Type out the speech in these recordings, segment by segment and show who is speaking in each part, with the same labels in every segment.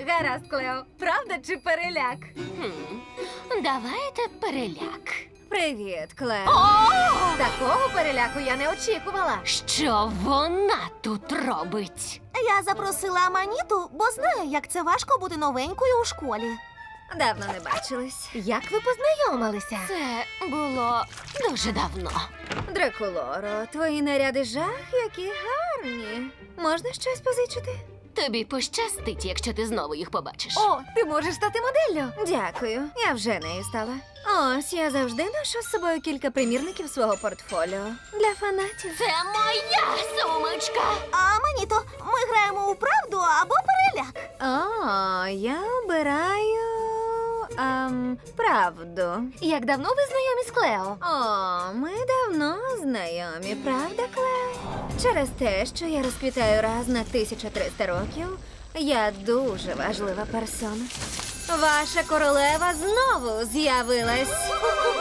Speaker 1: Гаразд, Клео. Правда чи переляк?
Speaker 2: Давайте переляк.
Speaker 1: Привіт, Клео.
Speaker 2: О!
Speaker 1: Такого переляку я не очікувала.
Speaker 2: Що вона тут робить?
Speaker 3: Я запросила Аманіту, бо знаю, як це важко бути новенькою у школі.
Speaker 1: Давно не бачились. Як ви познайомилися?
Speaker 2: Це було дуже давно.
Speaker 1: Дракулоро, твої наряди жах, які гарні. Можна щось позичити?
Speaker 2: Тобі пощастить, якщо ти знову їх побачиш.
Speaker 1: О, ти можеш стати моделлю. Дякую, я вже нею стала. Ось, я завжди ношу з собою кілька примірників свого портфоліо. Для фанатів.
Speaker 2: Це моя сумочка!
Speaker 3: Аманіто, ми граємо у правду або переляк.
Speaker 1: О, я обираю... правду.
Speaker 2: Як давно ви знайомі з Клео?
Speaker 1: О, ми давно знайомі, правда, Клео? Через те, що я розквітаю раз на 1300 років, я дуже важлива персона. Ваша королева знову з'явилась.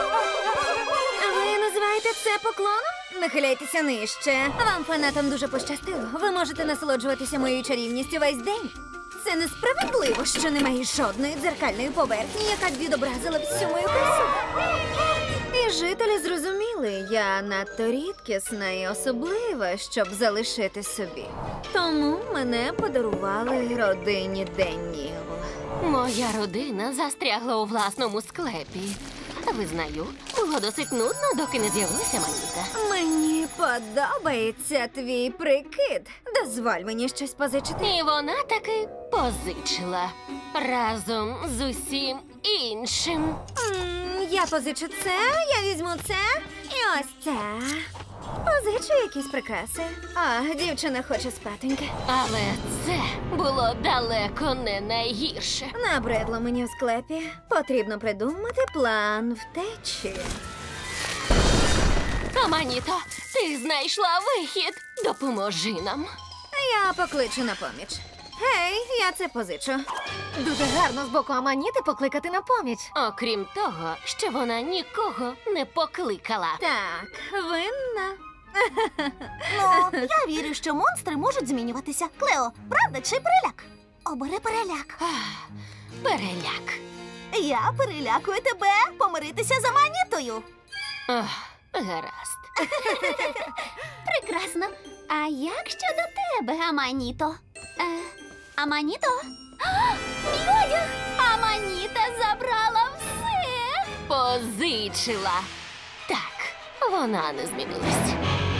Speaker 1: Ви називаєте це поклоном? Нахиляйтеся нижче. Вам, фанатам, дуже пощастило. Ви можете насолоджуватися моєю чарівністю весь день. Це несправедливо, що немає жодної дзеркальної поверхні, яка б відобразила всю мою красу. І жителі зрозуміли, я надто рідкісна і особлива, щоб залишити собі. Тому мене подарували родині Деніл.
Speaker 2: Моя родина застрягла у власному склепі. Визнаю, було досить нудно, доки не з'явилася Аманіта.
Speaker 1: Мені подобається твій прикид. Дозволь мені щось позичити.
Speaker 2: І вона таки позичила. Разом з усім іншим.
Speaker 1: Я позичу це, я візьму це і ось це. Позичу якісь прикраси. А, дівчина хоче спатоньки.
Speaker 2: Але це було далеко не найгірше.
Speaker 1: Набридло мені в склепі. Потрібно придумати план втечі.
Speaker 2: Аманіто, ти знайшла вихід. Допоможи нам.
Speaker 1: Я покличу на поміч. Гей, я це позичу.
Speaker 2: Дуже гарно з боку Аманіти покликати на поміч. Окрім того, що вона нікого не покликала.
Speaker 1: Так, винна.
Speaker 3: Ну, я вірю, що монстри можуть змінюватися. Клео, правда чи переляк? Обери переляк.
Speaker 2: Переляк.
Speaker 3: Я перелякую тебе помиритися з Аманітою.
Speaker 2: Гаразд.
Speaker 3: Прекрасно. А як щодо тебе, Аманіто? Аманіто? Мій одяг! Аманіта забрала все!
Speaker 2: Позичила. Так, вона не змінилась.